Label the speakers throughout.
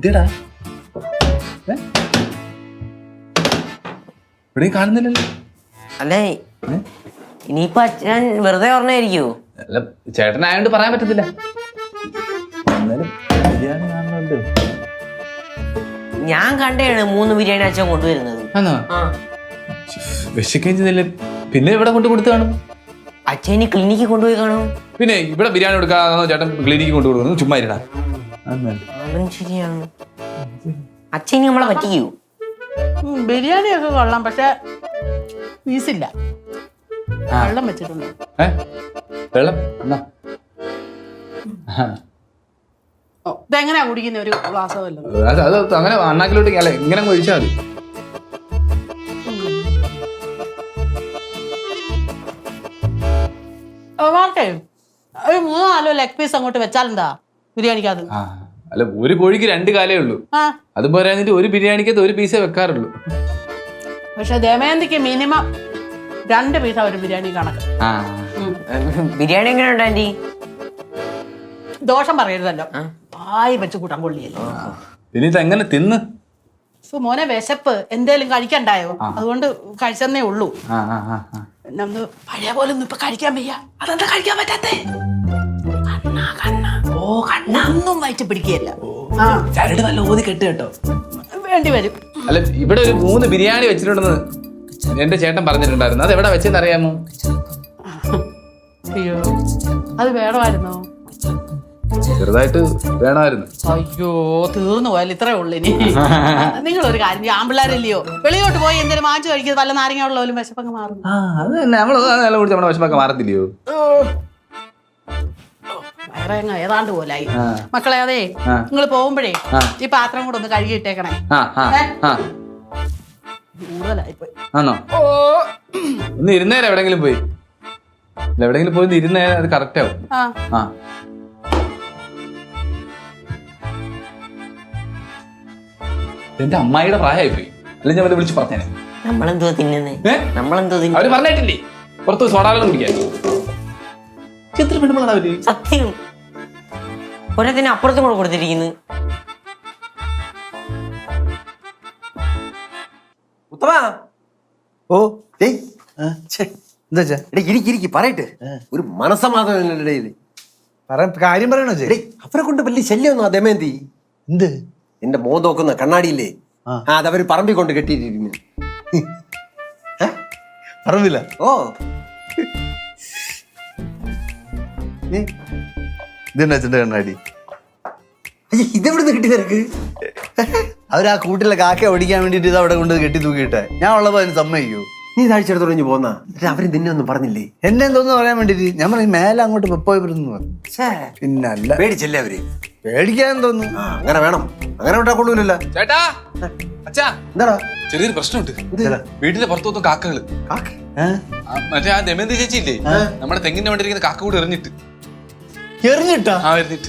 Speaker 1: എന്തേടാ ഇവിടെ കാണുന്നില്ലല്ലോ.
Speaker 2: അല്ലേ ഇനിയിപ്പൊ അച്ഛൻ വെറുതെ പറഞ്ഞായിരിക്കോ?
Speaker 1: അല്ല ചേട്ടനായോണ്ട് പറയാൻ പറ്റത്തില്ല. എന്നാലും ബിരിയാണി കാണുന്നുണ്ട്.
Speaker 2: ഞാൻ കണ്ടാണ് 3 ബിരിയാണി അച്ഛൻ കൊണ്ടുവരുന്നത്.
Speaker 1: വിശക്കുകയും ചെയ്തില്ലേ, പിന്നെ ഇവിടെ കൊണ്ട് കൊടുത്തു കാണും.
Speaker 2: അച്ഛൻ ക്ലിനിക്കിൽ കൊണ്ടുപോയി കാണും.
Speaker 1: പിന്നെ ഇവിടെ ബിരിയാണി കൊടുക്കാന്നോ ചേട്ടൻ ക്ലിനിക്കിൽ കൊണ്ടു കൊടുക്കുന്നു? ചുമ്മാ ഇരുടാ.
Speaker 2: അതും ശരിയാണ്. അച്ഛൻ നമ്മളെ പറ്റിക്കൂ.
Speaker 3: ബിരിയാണി ഒക്കെ കൊള്ളാം, പക്ഷെ പീസില്ല. വെള്ളം വെച്ചിട്ടുണ്ട്.
Speaker 1: വെള്ളം എന്നാ
Speaker 3: ഇതെങ്ങനെയാ കുടിക്കുന്ന? ഒരു ഗ്ലാസ് വല്ലതും?
Speaker 1: അത് അങ്ങനെ അണ്ണാക്കിലോട്ട് അല്ല, ഇങ്ങനെ ഒഴിച്ചാൽ മതി.
Speaker 3: ഒരു 3-4 ലെഗ് പീസ് അങ്ങോട്ട് വെച്ചാലെന്താ ബിരിയാണിക്കത്?
Speaker 1: അല്ല, ഒരു കോഴിക്ക് 2 കാലേ ഉള്ളൂ. അത് പോരാഞ്ഞിട്ട് ഒരു ബിരിയാണിക്കകത്ത് 1 പീസേ വെക്കാറുള്ളൂ.
Speaker 3: പക്ഷെ ദമയന്തിക്ക് മിനിമം 2 പീസാ ഒരു ബിരിയാണി കണക്ക്.
Speaker 2: ബിരിയാണി എങ്ങനെ ഉണ്ട് ആന്റി?
Speaker 3: ദോഷം പറയരുതല്ലോ, ആയി വെച്ച് കൂട്ടാൻ കൊള്ളിയല്ലോ.
Speaker 1: പിന്നെ ഇതെങ്ങനെ തിന്ന്?
Speaker 3: മോനെ വിശപ്പ് എന്തേലും കഴിക്കണ്ടായോ? അതുകൊണ്ട് കഴിച്ചെന്നേ ഉള്ളൂ. പിന്നെ ഒന്ന് പഴയ പോലെ ഒന്നും ഇപ്പൊ കഴിക്കാൻ വയ്യ. അതെന്താ കഴിക്കാൻ പറ്റാത്തേ? കണ്ണൊന്നും വയറ്റ് പിടിക്കുകയല്ല.
Speaker 1: ചരട് വല്ല ഓതി കെട്ട് കേട്ടോ,
Speaker 3: വേണ്ടി വരും.
Speaker 1: അല്ല, ഇവിടെ ഒരു 3 ബിരിയാണി വെച്ചിട്ടുണ്ടെന്ന് എന്റെ ചേട്ടൻ പറഞ്ഞിട്ടുണ്ടായിരുന്നു. അത് എവിടെ വെച്ചെന്ന് അറിയാമോ?
Speaker 3: അയ്യോ, അത് വേണമായിരുന്നോ?
Speaker 1: ചെറുതായിട്ട് വേണമായിരുന്നു.
Speaker 3: അയ്യോ, തീർന്നു പോയാലും ഇത്രേ ഉള്ളു. ഇനി നിങ്ങളൊരു കാര്യം, ആമ്പിള്ളാരല്ലയോ, വെളിയോട്ട് പോയി എന്തെങ്കിലും വാങ്ങിച്ചു കഴിക്കുന്നത്, വല്ല നാരങ്ങ വെള്ളം വിശപ്പങ്ങ് മാറും.
Speaker 1: അത് തന്നെ, നമ്മള് കുടിച്ച് നമ്മുടെ വിശപ്പൊക്കെ മാറത്തില്ലയോ?
Speaker 3: വേറെ ഏതാണ്ട് പോലായി. മക്കളെ, അതെ, നിങ്ങൾ പോകുമ്പോഴേ ഈ പാത്രം കൂടെ ഒന്ന് കഴുകിയിട്ടേക്കണേ. കൂടുതലായിപ്പോയി.
Speaker 1: ആണോ? ഒന്ന് ഇരുന്നേരം എവിടെങ്കിലും പോയി, എവിടെങ്കിലും പോയി ഇരുന്നേരം അത് കറക്റ്റ് ആവും. എന്റെ അമ്മായിയുടെ പ്രായമായി പോയി, അല്ലെങ്കിൽ ഞാൻ വിളിച്ച് പറഞ്ഞേനെ.
Speaker 2: നമ്മളെന്തോ തിന്നുന്നേ? നമ്മളെന്തോ തിന്നു?
Speaker 1: അവര് പറഞ്ഞിട്ടില്ലേ പുറത്ത് സോഡാവെള്ളം കുടിക്കാൻ? എത്ര പെണ്ണുങ്ങളാണ് അവര്?
Speaker 2: സത്യം, ഒരത്തിന് അപ്പുറത്തും കൂടെ കൊടുത്തിരിക്കുന്നു.
Speaker 4: പറയട്ടെ, ഒരു മനസമാധാനം
Speaker 5: കാര്യം പറയണോ?
Speaker 4: അവരെ കൊണ്ട് വലിയ ശല്യമൊന്നും ദമയന്തി.
Speaker 5: എന്ത്?
Speaker 4: എന്റെ മോൻ നോക്കുന്ന കണ്ണാടിയില്ലേ, അതവര് പറമ്പിൽ കൊണ്ട് കെട്ടിയിട്ടിരിക്കുന്നു.
Speaker 5: പറമ്പില്ല?
Speaker 4: ഓ,
Speaker 5: ഇതെന്നാ അച്ഛൻ്റെ കണ്ണാടി?
Speaker 4: ഇതെവിടുന്ന് കിട്ടി നിനക്ക്?
Speaker 5: അവരാ കൂട്ടിലെ കാക്ക ഓടിക്കാൻ വേണ്ടിട്ട് ഇത് അവിടെ കൊണ്ട് കെട്ടി തൂക്കിയിട്ടെ. ഞാൻ ഉള്ളപ്പോ അതിന് സമ്മതിക്കൂ?
Speaker 4: നീ താഴ്ചയെടുത്തോളഞ്ഞു പോന്നാ, അവര് നിന്നെ ഒന്നും പറഞ്ഞില്ലേ?
Speaker 5: എന്നെ എന്തോന്ന് പറയാൻ വേണ്ടിട്ട് ഞാൻ പറഞ്ഞു മേലെ അങ്ങോട്ട് പോയി വരുന്നു പറഞ്ഞു. പിന്നല്ല,
Speaker 4: പേടിച്ചല്ലേ അവര്?
Speaker 5: പേടിക്കാൻ തോന്നുന്നു.
Speaker 4: അങ്ങനെ വേണം, അങ്ങനെ വിട്ടാ കൊള്ളൂലല്ലോ.
Speaker 1: ചേട്ടാ, അച്ഛാ,
Speaker 4: എന്താടാ?
Speaker 1: ചെറിയൊരു പ്രശ്നമുണ്ട്. വീട്ടിലെ പുറത്തു കാക്കകള്. മറ്റേ ആ ദമയന്തി ചേച്ചി ഇല്ലേ, നമ്മുടെ തെങ്ങിന്റെ വേണ്ടിയിരിക്കുന്ന കാക്ക കൂടെ എറിഞ്ഞിട്ട്.
Speaker 5: എറിഞ്ഞിട്ടാ?
Speaker 1: എറിഞ്ഞിട്ട്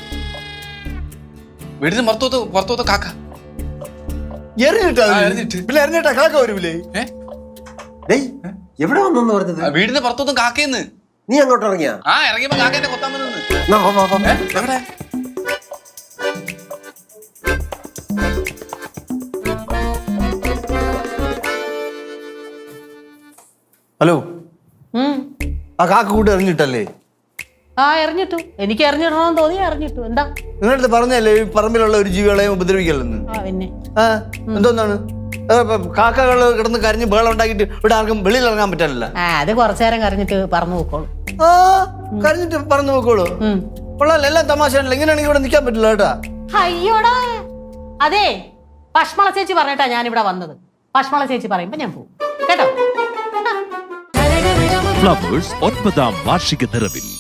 Speaker 1: വീടിന് പുറത്തോത്ത കാക്ക
Speaker 5: എറിഞ്ഞിട്ടാ?
Speaker 1: എറിഞ്ഞിട്ട്.
Speaker 5: പിന്നെ എറിഞ്ഞിട്ടാ കാക്ക വരൂലേ?
Speaker 4: എവിടെ വന്നു പറഞ്ഞത്?
Speaker 1: വീടിന് പുറത്തോത്തും കാക്കയെന്ന്.
Speaker 4: നീ അങ്ങോട്ട് ഇറങ്ങിയാ?
Speaker 1: ഇറങ്ങിയപ്പോ കാക്കേന്റെ കൊത്താൻ വന്നു. എവിടെ?
Speaker 5: ഹലോ, ആ കാക്ക കൂട്ട് എറിഞ്ഞിട്ടല്ലേ?
Speaker 3: എറിഞ്ഞിട്ടു. എനിക്ക് എറിഞ്ഞിടണമെന്ന് തോന്നി, എറിഞ്ഞിട്ടു. എന്താ
Speaker 5: നിങ്ങളടുത്ത് പറഞ്ഞല്ലേ ഈ പറമ്പിലുള്ള ഒരു ജീവികളെയും ഉപദ്രവിക്കല്ലെന്ന്?
Speaker 3: പിന്നെ
Speaker 5: എന്തോന്നാണ് കാക്കകൾ കിടന്ന് കരഞ്ഞ് ബഹളം ഉണ്ടാക്കിയിട്ട് ഇവിടെ ആർക്കും വെളിയിൽ ഇറങ്ങാൻ പറ്റാനില്ല.
Speaker 3: അത് കുറച്ചു നേരം കരഞ്ഞിട്ട് പറന്നു പോക്കോളൂ.
Speaker 5: കരഞ്ഞിട്ട് പറന്നു പോക്കോളൂ? കൊള്ളാല്ല, എല്ലാം തമാശയാണല്ലോ. ഇങ്ങനെയാണെങ്കിൽ ഇവിടെ നിൽക്കാൻ പറ്റില്ല കേട്ടാ.
Speaker 3: അയ്യോടാ, അതെ, പശ്മള ചേച്ചി പറഞ്ഞിട്ടാ ഞാൻ ഇവിടെ വന്നത്. പശ്മള ചേച്ചി പറയുമ്പോ ഞാൻ പോകും കേട്ടോ.
Speaker 6: ഫ്ലവേഴ്സ് 9ാം വാർഷിക നിറവിൽ